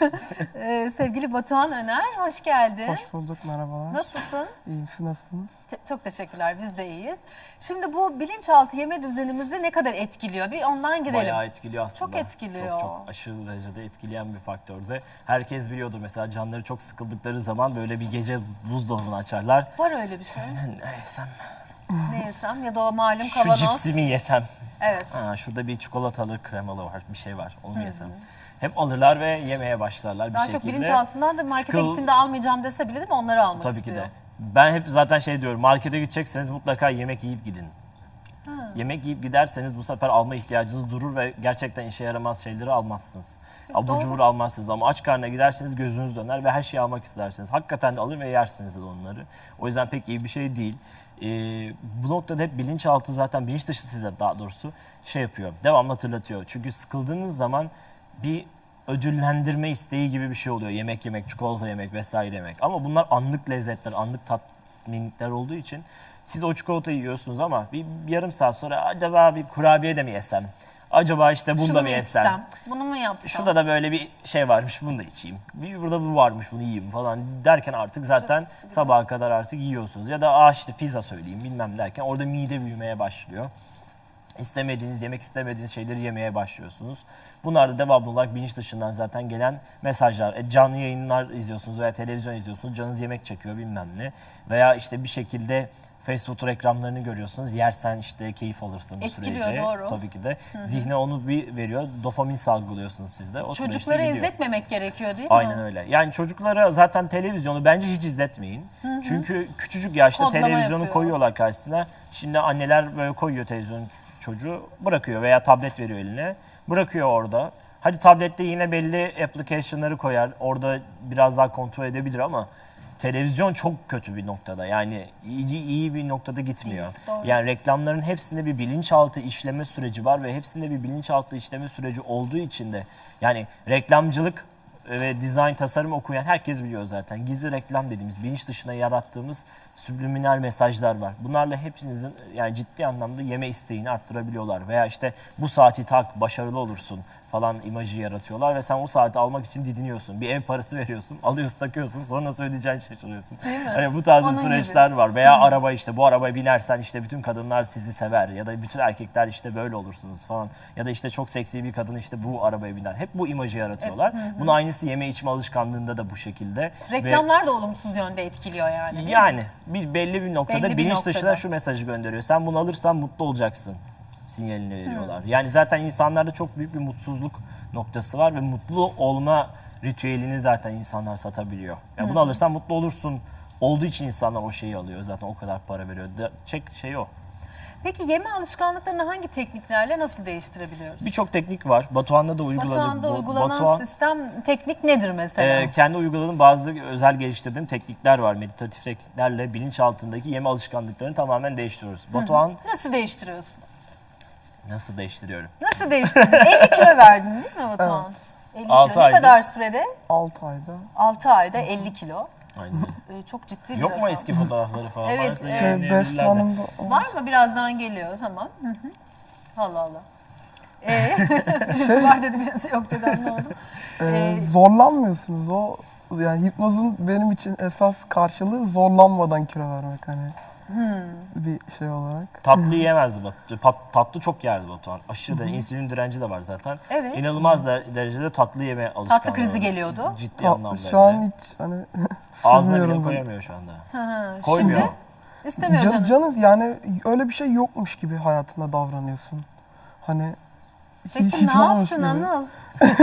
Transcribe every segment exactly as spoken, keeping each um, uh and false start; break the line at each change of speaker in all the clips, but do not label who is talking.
Ee, sevgili Batuhan Öner, hoş geldin.
Hoş bulduk, merhabalar.
Nasılsın?
İyiyim, siz nasılsınız?
Te- çok teşekkürler, biz de iyiyiz. Şimdi bu bilinçaltı yeme düzenimizi ne kadar etkiliyor? Bir ondan girelim.
Bayağı etkiliyor aslında.
Çok etkiliyor.
Çok çok aşırı derecede etkileyen bir faktörde. Herkes biliyordur mesela, canları çok sıkıldıkları zaman böyle bir gece buzdolabını açarlar.
Var öyle bir şey.
Ne yesem?
Ne yesem ya da o malum
Şu
kavanoz.
cipsi mi yesem?
Evet.
Ha, şurada bir çikolatalı kremalı var, bir şey var, onu mu yesem? Hep alırlar ve yemeye başlarlar bir
Daha
şekilde.
çok bilinçaltından da markete
Sıkıl-
gittiğinde almayacağım dese bile değil mi? Onları almak
Tabii
istiyor.
ki de. Ben hep zaten şey diyorum, markete gidecekseniz mutlaka yemek yiyip gidin.
Ha.
Yemek yiyip giderseniz bu sefer alma ihtiyacınız durur ve gerçekten işe yaramaz şeyleri almazsınız. Abur cubur almazsınız ama aç karnına giderseniz gözünüz döner ve her şeyi almak istersiniz. Hakikaten de alır ve yersiniz de onları. O yüzden pek iyi bir şey değil. Ee, bu noktada hep bilinçaltı, zaten bilinç dışı size daha doğrusu şey yapıyor, devamlı hatırlatıyor. Çünkü sıkıldığınız zaman bir ödüllendirme isteği gibi bir şey oluyor. Yemek yemek, çikolata yemek vesaire yemek. Ama bunlar anlık lezzetler, anlık tatminlikler olduğu için siz o çikolatayı yiyorsunuz ama bir, bir yarım saat sonra acaba bir kurabiye de mi yesem? Acaba işte bunu
Şunu
da
mu
mı yesem?
içsem? Bunu mu yapsam?
Şurada da böyle bir şey varmış, bunu da içeyim. Bir burada bu varmış, bunu yiyeyim falan derken artık zaten sabaha kadar artık yiyorsunuz. Ya da aa işte pizza söyleyeyim bilmem derken orada mide büyümeye başlıyor. İstemediğiniz, yemek istemediğiniz şeyleri yemeye başlıyorsunuz. Bunlar da devamlı olarak bilinç dışından zaten gelen mesajlar. E, canlı yayınlar izliyorsunuz veya televizyon izliyorsunuz, canınız yemek çekiyor bilmem ne. Veya işte bir şekilde fast food reklamlarını görüyorsunuz. Yersen işte keyif alırsın bu
Etkiliyor,
sürece.
doğru.
Tabii ki de. Hı-hı. Zihne onu bir veriyor. Dopamin salgılıyorsunuz siz de. O süreçte
Çocuklara
gidiyor.
izletmemek gerekiyor değil mi?
Aynen öyle. Yani çocuklara zaten televizyonu bence hiç izletmeyin. Hı-hı. Çünkü küçücük yaşta
Kodlama
televizyonu
yapıyor.
koyuyorlar karşısına. Şimdi anneler böyle koyuyor televizyonu, çocuğu bırakıyor veya tablet veriyor eline. Bırakıyor orada. Hadi tablette yine belli application'ları koyar. Orada biraz daha kontrol edebilir ama televizyon çok kötü bir noktada. Yani iyi, iyi bir noktada gitmiyor.
Doğru.
Yani reklamların hepsinde bir bilinçaltı işleme süreci var ve hepsinde bir bilinçaltı işleme süreci olduğu için de yani reklamcılık ve dizayn, tasarım okuyan herkes biliyor zaten. Gizli reklam dediğimiz, bilinç dışına yarattığımız subliminal mesajlar var. Bunlarla hepinizin yani ciddi anlamda yeme isteğini arttırabiliyorlar. Veya işte bu saati tak, başarılı olursun falan imajı yaratıyorlar ve sen o saati almak için didiniyorsun. Bir ev parası veriyorsun, alıyorsun, takıyorsun, sonra nasıl ödeyeceğini şaşırıyorsun. Hani bu tarz
Onun
süreçler
gibi.
var. Veya araba, işte bu arabaya binersen işte bütün kadınlar sizi sever ya da bütün erkekler işte böyle olursunuz falan. Ya da işte çok seksi bir kadın işte bu arabaya biner. Hep bu imajı yaratıyorlar. Bunun aynısı yeme içme alışkanlığında da bu şekilde.
Reklamlar da olumsuz yönde etkiliyor yani. değil mi?
Yani bir belli bir noktada
Belli bir
bilinç
noktada.
dışına şu mesajı gönderiyor. Sen bunu alırsan mutlu olacaksın sinyalini veriyorlar. Yani zaten insanlarda çok büyük bir mutsuzluk noktası var ve mutlu olma ritüelini zaten insanlar satabiliyor. Yani bunu alırsan mutlu olursun olduğu için insanlar o şeyi alıyor. Zaten o kadar para veriyor. De, çek şey o.
Peki yeme alışkanlıklarını hangi tekniklerle nasıl değiştirebiliyoruz?
Birçok teknik var. Batuhan'da da uyguladı.
Batuhan'da
Bu-
uygulanan
Batuhan,
sistem, teknik nedir mesela?
e, kendi uyguladığım bazı özel geliştirdiğim teknikler var. Meditatif tekniklerle bilinç altındaki yeme alışkanlıklarını tamamen değiştiriyoruz. Batuhan
Nasıl değiştiriyorsun?
nasıl değiştiriyorum?
Nasıl değiştirdin? elli kilo verdin değil mi Batuhan? elli kilo.
Altı
Ne
ayda.
kadar sürede?
altı ayda.
altı ayda elli kilo.
Aynen.
Ee, çok ciddi bir
Yok mu
rakam.
eski fotoğrafları falan?
Evet,
Varsa
evet.
Şey,
yayınlayabilirler
Best
de.
Hanım'da
Var mı? Birazdan geliyor. Tamam. Hı hı. Allah Allah. Ee, birisi
Şey-
var dedi, birisi yok dedi, anlamadım.
e,
Ee,
zorlanmıyorsunuz. O yani hipnozun benim için esas karşılığı zorlanmadan kilo vermek hani. Bir şey olarak.
Tatlı yiyemezdi Batu. Pat- tatlı çok yerdi Batuhan. Aşırı da insülin direnci de var zaten.
Evet.
İnanılmaz da derecede tatlı yeme alışkanlığı.
Tatlı krizi
var.
geliyordu.
Ciddi
Ta-
anlamda.
şu an
hem de.
hiç hani
Ağzına bile
sığmıyorum ben.
koyamıyor şu anda.
Hı hı.
Koymuyor.
Şimdi istemiyor
Can,
canım.
canı yani öyle bir şey yokmuş gibi hayatında davranıyorsun. Hani
Peki ne
olmamış
yaptın
gibi.
Anıl?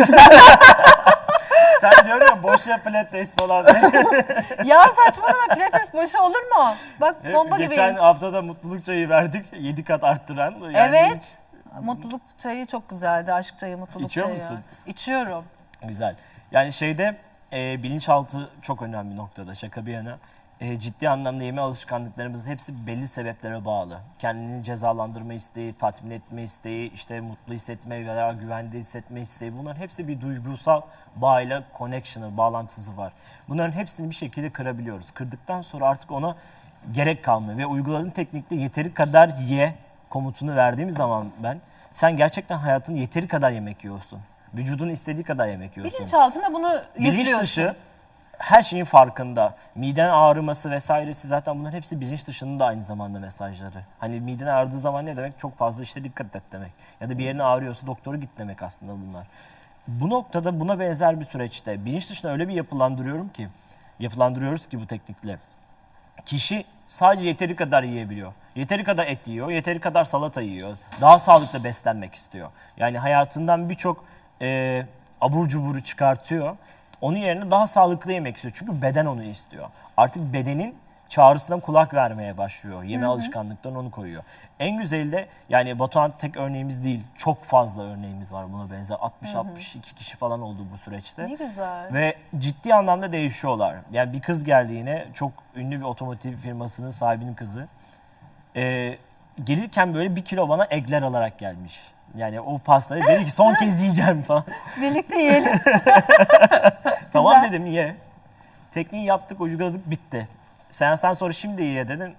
Sen diyorum ya boş yap pilates falan.
Ya saçmalama, pilates başı olur mu? Bak
Hep
bomba
geçen
gibiyiz.
haftada mutluluk çayı verdik. yedi kat arttıran. Yani
Evet. Mutluluk çayı çok güzeldi. Aşk çayı, mutluluk
İçiyor
çayı.
musun?
İçiyorum.
hiç- Güzel. Yani şeyde e, bilinçaltı çok önemli bir noktada, şaka bir yana. E, ciddi anlamda yeme alışkanlıklarımızın hepsi belli sebeplere bağlı. Kendini cezalandırma isteği, tatmin etme isteği, işte mutlu hissetme veya güvende hissetme isteği, bunların hepsi bir duygusal bağıyla connection'ı, bağlantısı var. Bunların hepsini bir şekilde kırabiliyoruz. Kırdıktan sonra artık ona gerek kalmıyor ve uyguladığım teknikte yeteri kadar ye komutunu verdiğim zaman ben, sen gerçekten hayatını yeteri kadar yemek yiyorsun. Vücudun istediği kadar yemek yiyorsun.
Bilinçaltına bunu
Bilinç
yüklüyorsun.
dışı her şeyin farkında. Miden ağrıması vesairesi zaten bunların hepsi bilinç dışının da aynı zamanda mesajları. Hani miden ağrıdığı zaman ne demek? Çok fazla işte dikkat et demek. Ya da bir yerine ağrıyorsa doktora git demek aslında bunlar. Bu noktada buna benzer bir süreçte bilinç dışına öyle bir yapılandırıyorum ki, yapılandırıyoruz ki bu teknikle. Kişi sadece yeteri kadar yiyebiliyor. Yeteri kadar et yiyor, yeteri kadar salata yiyor. Daha sağlıklı beslenmek istiyor. Yani hayatından birçok e, abur cuburu çıkartıyor. Onun yerine daha sağlıklı yemek istiyor. Çünkü beden onu istiyor. Artık bedenin çağrısına kulak vermeye başlıyor. Yeme alışkanlıklarını onu koyuyor. En güzeli de yani Batuhan tek örneğimiz değil. Çok fazla örneğimiz var buna benzer. altmış altmış iki kişi falan oldu bu süreçte.
Ne güzel.
Ve ciddi anlamda değişiyorlar. Yani bir kız geldi yine, çok ünlü bir otomotiv firmasının sahibinin kızı. Ee, gelirken böyle bir kilo bana egler alarak gelmiş. Yani o pastayı dedi ki son kez yiyeceğim falan.
Birlikte yiyelim.
Tamam
Güzel.
dedim, ye. Tekniği yaptık, uyguladık, bitti. Seanstan sonra şimdi ye dedim.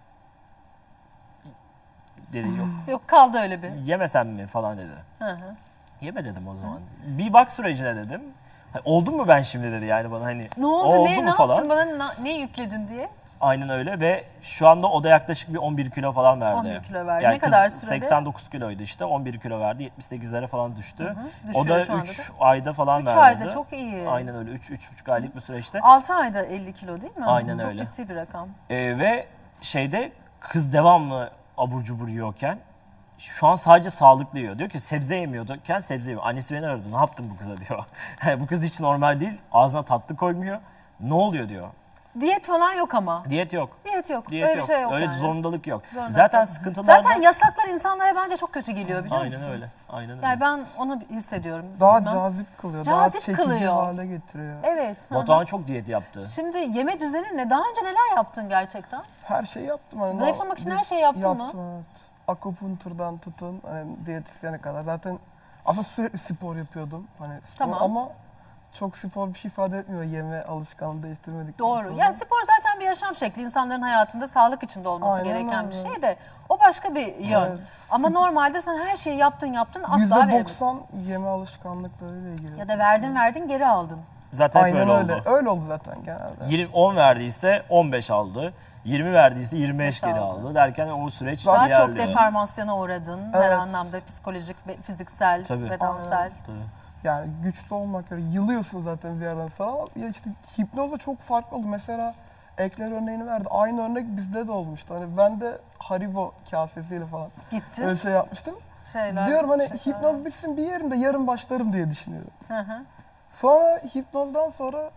Dedi yok.
Yok kaldı öyle bir.
Yemesem mi falan dedi.
Hı hı.
Yeme dedim o zaman. Bir bak sürecine dedim. Hani, oldum mu ben şimdi dedi yani bana hani.
Ne
"O
oldu?
oldu
Ne,
mu
ne
falan.
yaptın? Bana na- ne yükledin diye.
Aynen öyle ve şu anda o da yaklaşık bir on bir kilo falan verdi.
on bir kilo verdi.
Yani
Ne kadar
kız
sürede?
seksen dokuz kiloydu işte, on bir kilo verdi, yetmiş sekizlere falan düştü.
Düşüyor
O da
şu anda
üç
da.
ayda falan
üç
verdi.
ayda çok iyi.
Aynen öyle, üç üç buçuk aylık bir süreçte.
altı ayda elli kilo değil mi?
Aynen
çok
öyle.
ciddi bir rakam.
Ee, ve şeyde kız devamlı abur cubur yiyorken şu an sadece sağlıklı yiyor. Diyor ki sebze yemiyorken sebze yiyor. Annesi beni aradı, ne yaptın bu kıza diyor. Yani bu kız hiç normal değil, ağzına tatlı koymuyor. Ne oluyor diyor.
Diyet falan yok ama.
Diyet yok.
Diyet yok.
Diyet
öyle
yok.
bir şey yok
Öyle
yani.
zorundalık yok.
Zorundalık
Zaten
yok.
sıkıntılar
Zaten yasaklar insanlara bence çok kötü geliyor biliyor
Aynen
musun?
öyle. Aynen öyle.
Yani ben onu hissediyorum.
Daha
Bilmem.
cazip kılıyor.
Cazip
daha çekici
kılıyor.
hale getiriyor.
Evet. hı hı.
Batuhan çok diyet yaptı.
Şimdi yeme düzeni ne? Daha önce neler yaptın gerçekten?
Her şeyi yaptım. Hani
Zayıflamak için
bir-
her şeyi yaptın mı?
Yaptım evet. Akupunkturdan tutun hani diyetisyene kadar. Zaten aslında sürekli spor yapıyordum. Hani spor
Tamam.
ama çok spor bir şey ifade etmiyor yeme alışkanlığı değiştirmedikten
Doğru.
sonra.
Yani spor zaten bir yaşam şekli. İnsanların hayatında sağlık içinde olması
Aynen
gereken bir
öyle.
şey de o başka bir yön.
Evet.
Ama normalde sen her şeyi yaptın yaptın asla
yüzde
vermedin.
doksan yeme alışkanlıklarıyla ilgili.
Ya da verdin verdin geri aldın.
Zaten hep
Aynen
öyle
öyle.
oldu.
Öyle oldu zaten genelde.
yirmi, on verdiyse on beş aldı. yirmi verdiyse yirmi beş geri
aldı.
aldı. Derken o süreç
Daha çok
ilerliyor.
deformasyona uğradın. Her
Evet.
anlamda psikolojik, ve fiziksel,
Tabii.
bedensel.
Tabii.
Yani güçlü olmak öyle. Yılıyorsun zaten bir yerden sonra ama ya işte hipnozda çok farklı oldu. Mesela ekler örneğini verdi. Aynı örnek bizde de olmuştu. Hani ben de Haribo kasesiyle falan
Gittin.
öyle şey yapmıştım.
Şeyler.
Diyorum hani
şeker.
hipnoz bitsin bir yerimde yarın başlarım diye düşünüyorum.
Hı hı.
Sonra hipnozdan sonra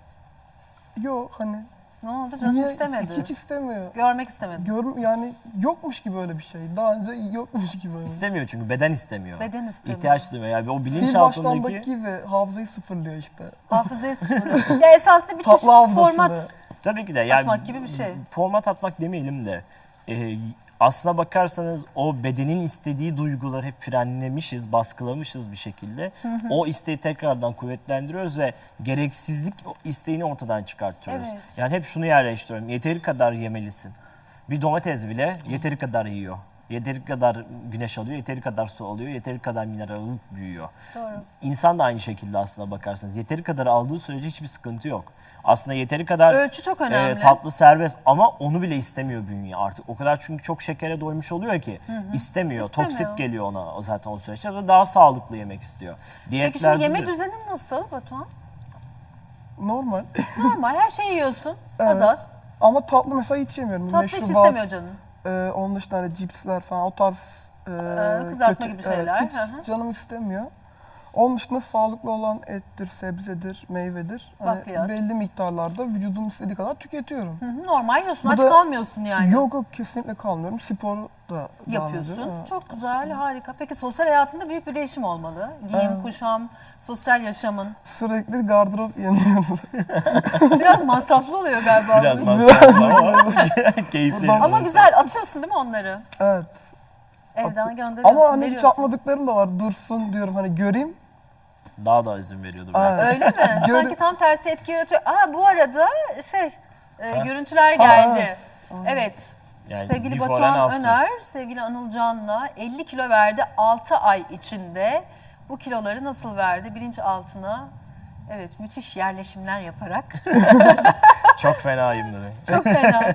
yok hani
Ne oldu? Canın
niye-
istemedi.
hiç istemiyor.
Görmek istemedi.
Görüm yani yokmuş gibi öyle bir şey. Daha önce yokmuş gibi. Öyle.
İstemiyor çünkü beden istemiyor.
Beden istemiyor.
İhtiyaç duymuyor. Yani o
Sil
bilinçaltındaki
baştandaki gibi hafızayı sıfırlıyor işte.
Hafızayı sıfırlıyor. Ya esasında bir çeşit
Tatlı hafızasını.
format
tabii ki de yani
atmak gibi bir şey.
Format atmak demeyelim de e, aslına bakarsanız o bedenin istediği duyguları hep frenlemişiz, baskılamışız bir şekilde. O isteği tekrardan kuvvetlendiriyoruz ve gereksizlik o isteğini ortadan çıkartıyoruz.
Evet.
Yani hep şunu yerleştiriyorum. Yeteri kadar yemelisin. Bir domates bile yeteri kadar yiyor. Yeteri kadar güneş alıyor, yeteri kadar su alıyor, yeteri kadar mineral alıp büyüyor.
Doğru.
İnsan da aynı şekilde aslına bakarsanız. Yeteri kadar aldığı sürece hiçbir sıkıntı yok. Aslında yeteri kadar
Ölçü çok önemli.
e, tatlı serbest ama onu bile istemiyor bünye artık. O kadar çünkü çok şekere doymuş oluyor ki istemiyor.
İstemiyor.
Toksit geliyor ona o zaten o süreçte ve daha sağlıklı yemek istiyor.
Peki şimdi yeme
de-
düzenin nasıl Batuhan?
Normal.
Normal her şeyi yiyorsun. Az
Evet.
az.
Ama tatlı mesela hiç yemiyorum.
Tatlı hiç
Meşrubat,
istemiyor canın.
e, onun dışında hani cipsler falan o tarz e,
kızartma gibi şeyler,
Evet, hiç
hı hı.
canım istemiyor. Onun dışında sağlıklı olan ettir, sebzedir, meyvedir. Hani
Bakliyat.
belli miktarlarda vücudum istediği kadar tüketiyorum.
Hı hı, normal yiyorsun.
Bu
Aç
da-
kalmıyorsun yani.
Yok yok kesinlikle kalmıyorum. Sporu da devam
Yapıyorsun.
ediyorum. Evet.
Çok güzel, harika. Peki sosyal hayatında büyük bir değişim olmalı. Giyim,
Evet.
kuşam, sosyal yaşamın.
Sürekli gardırop yeniyoruz.
Biraz masraflı oluyor galiba.
Biraz
bu iş.
masraflı ama keyifli.
Buradan-
Ama güzel atıyorsun değil mi onları?
Evet.
Evden gönderiyorsun,
Ama hani hiç
veriyorsun.
yapmadıklarım da var. Dursun diyorum hani göreyim.
Daha da izin veriyordu.
Evet.
Öyle mi?
Gör-
Sanki tam tersi etki yaratıyor. Aa bu arada şey, e,
Ha?
görüntüler
Aa,
geldi.
evet.
Evet.
Yani
Sevgili
before and
Batuhan
after.
Öner, sevgili Anıl Can'la elli kilo verdi altı ay içinde. bu kiloları nasıl verdi? Bilinçaltına evet müthiş yerleşimler yaparak.
Çok fenayımdır.
Çok fena.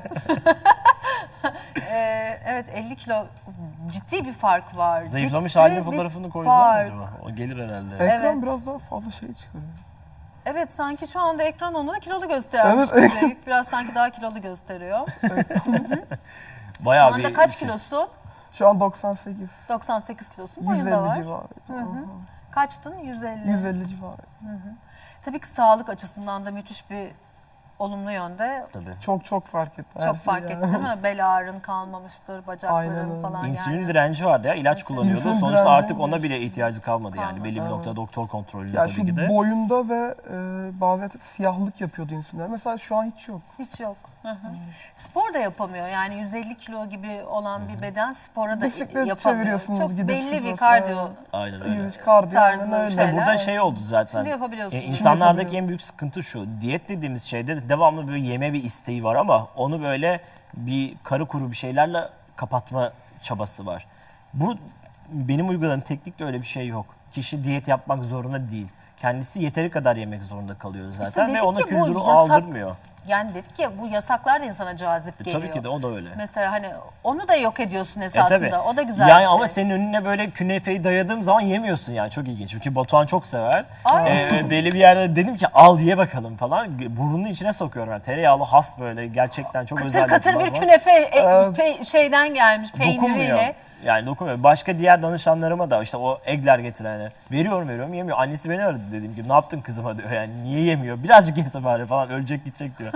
Ee, evet elli kilo ciddi bir fark var.
Zayıflamış
Ciddi
halinin
bir
fotoğrafını koydular mı
fark.
acaba? O gelir herhalde.
Ekran
Evet.
biraz daha fazla şey çıkarıyor.
Evet sanki şu anda ekran onu da kilolu gösteriyor.
Evet.
gibi. Biraz sanki daha kilolu gösteriyor. Şu
Bayağı
anda
bir
kaç
şey.
kilosun?
Şu an doksan sekiz.
doksan sekiz kilosun.
yüz
Boyun da
elli
var.
civarı.
Kaçtın? yüz elli.
yüz elli civarı.
Tabii ki sağlık açısından da müthiş bir olumlu yönde.
Tabii.
Çok çok fark etti. her
Çok
şey
fark
yani.
etti değil mi? Bel ağrın kalmamıştır,
Aynen
bacakların
öyle.
falan
İnsülin
yani.
direnci vardı ya, ilaç kullanıyordu.
İnsülin
Sonuçta
direnci
artık
mi?
ona bile ihtiyacı kalmadı yani.
Kalmadı.
Belli bir
Evet.
noktada doktor kontrolünde
Ya
tabii
şu
ki de.
boyunda ve e, bazen siyahlık yapıyordu insülinler. Mesela şu an hiç yok.
Hiç yok. Hı hı. Spor da yapamıyor. Yani yüz elli kilo gibi olan bir beden spora da
Bisiklet
yapamıyor.
çeviriyorsunuz
Çok
gidip
belli bir
spor
kardiyo.
salonuna.
Aynen öyle.
Yürüyüş, kardiyo
Tarzı
aynen öyle.
şeyler.
İşte burada
Evet.
şey oldu zaten.
Şimdi yapabiliyorsun.
E,
Şimdi
insanlardaki
yapabiliyorum.
en büyük sıkıntı şu. Diyet dediğimiz şeyde devamlı böyle yeme bir isteği var ama onu böyle bir karı kuru bir şeylerle kapatma çabası var. Bu benim uyguladığım teknikte öyle bir şey yok. Kişi diyet yapmak zorunda değil. Kendisi yeteri kadar yemek zorunda kalıyor zaten ve
dedik
ona
ki bu
kültürü
yasak-
aldırmıyor.
Yani dedik ya bu yasaklar da insana cazip
E,
geliyor.
tabii ki de o da öyle.
Mesela hani onu da yok ediyorsun
E
esasında.
tabii.
O da güzel
yani
bir şey.
ama senin önüne böyle künefeyi dayadığım zaman yemiyorsun yani, çok ilginç. Çünkü Batuhan çok sever.
Ay.
E, belli bir yerde dedim ki al ye bakalım falan. Burnunun içine sokuyorum. Yani tereyağlı has böyle gerçekten çok özel
Katır katır
yapılar
bir
var.
künefe e,
Evet.
pe- şeyden gelmiş
Dokunmuyor.
peyniriyle.
Yani dokunmuyor. Başka diğer danışanlarıma da işte o egler getirenler veriyorum veriyorum yemiyor. Annesi beni aradı, dediğim gibi ne yaptın kızıma diyor, yani niye yemiyor, birazcık yese bari falan, ölecek gidecek diyor.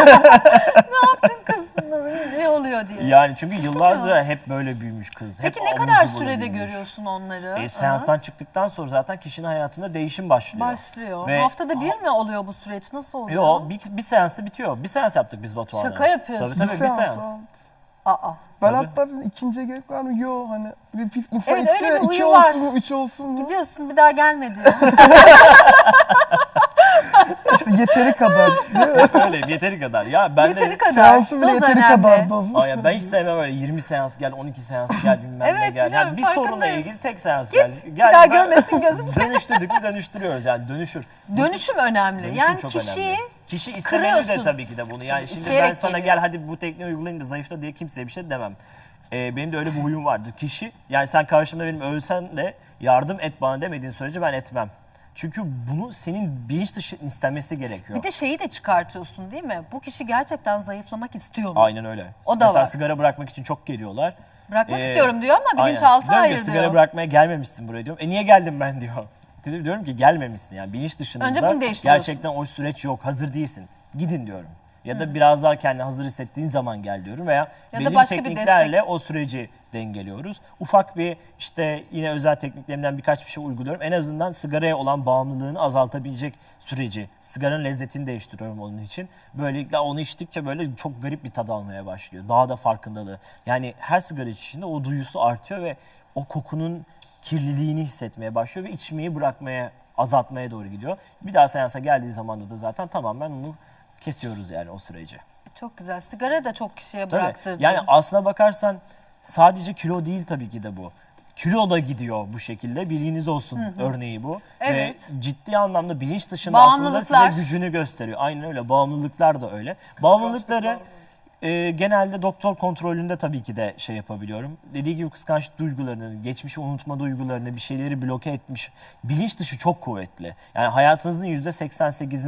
Kız ne oluyor diye.
Yani çünkü
Kıskanıyor.
yıllardır hep böyle büyümüş kız.
Peki
hep
ne
abur
kadar
cubur
sürede
büyümüş.
görüyorsun onları?
E, seanstan çıktıktan sonra zaten kişinin hayatında değişim başlıyor.
Başlıyor.
Ve-
Haftada bir mi oluyor bu süreç? Nasıl oluyor?
Yo bir, bir seansta bitiyor. Bir seans yaptık biz Batuhan'la.
Şaka yapıyorsun.
Tabii tabii bir, seans.
evet.
Aa.
Ben
Tabii.
hatta dedim, ikinciye gerek var mı? Yok hani bir pis insan
Evet, öyle
istiyor
bir
iki
huyu var.
olsun mu, üç olsun mu?
Gidiyorsun bir daha gelme diyor.
İşte yeteri kadar. Değil mi?
Öyle yeteri kadar. Ya ben
Yeteri
de
kadar.
Seansı bile
Doz
yeteri
önemli.
kadar doz.
Aa, ya ben hiç sevmem öyle yirmi seans gel, on iki seans gel, bilmem ne
Evet,
gel.
biliyorum,
Yani bir sorunla
farkındayım.
ilgili tek seans
Git,
gel.
bir
gel
daha
ben-
görmesin gözüm.
Dönüştürdük mü dönüştürüyoruz yani, dönüşür.
Dönüşüm önemli.
Dönüşüm
yani
çok
kişiyi
önemli. Kişi istemeli de
kırıyorsun.
tabii ki de bunu. Yani şimdi ben
İsteyerek
sana
geliyor.
gel hadi bu tekniği uygulayayım da zayıfla diye kimseye bir şey demem. Ee, benim de öyle bir huyum vardır. Kişi, yani sen karşımda benim ölsen de yardım et bana demediğin sürece ben etmem. Çünkü bunu senin bilinç dışı istemesi gerekiyor.
bir de şeyi de çıkartıyorsun değil mi? Bu kişi gerçekten zayıflamak istiyor mu?
Aynen öyle.
O da
Mesela
var.
sigara bırakmak için çok geliyorlar.
Bırakmak
Ee,
istiyorum diyor ama
aynen.
bilinçaltı
Diyorum ki,
hayır
sigara
diyor.
bırakmaya gelmemişsin buraya diyorum. E niye geldim ben diyor. Dedim, diyorum ki gelmemişsin yani, bilinç dışınızda
Önce bunu değiştiriyorsun.
gerçekten o süreç yok, hazır değilsin. Gidin diyorum. Ya da biraz daha kendini hazır hissettiğin zaman gel diyorum veya
da
belli bir
başka bir
tekniklerle o süreci dengeliyoruz. Ufak bir işte yine özel tekniklerimden birkaç bir şey uyguluyorum. En azından sigaraya olan bağımlılığını azaltabilecek süreci, sigaranın lezzetini değiştiriyorum onun için. Böylelikle onu içtikçe böyle çok garip bir tad almaya başlıyor. Daha da farkındalığı. Yani her sigara içişinde o duyusu artıyor ve o kokunun kirliliğini hissetmeye başlıyor ve içmeyi bırakmaya, azaltmaya doğru gidiyor. Bir daha seansa geldiği zaman da zaten tamamen onu kesiyoruz yani o süreci.
Çok güzel. Sigara da çok kişiye
Tabii.
bıraktırdı.
Yani aslına bakarsan sadece kilo değil tabii ki de bu. Kilo da gidiyor bu şekilde. Bilginiz olsun örneği bu.
Evet.
Ve ciddi anlamda bilinç dışında aslında size
Bağımlılıklar.
gücünü gösteriyor. Aynen öyle. Bağımlılıklar da öyle. Bağımlılıkları e, genelde doktor kontrolünde tabii ki de şey yapabiliyorum. Dediği gibi kıskançlık duygularını, geçmişi unutma duygularını, bir şeyleri bloke etmiş. Bilinç dışı çok kuvvetli. Yani hayatınızın yüzde seksen sekizini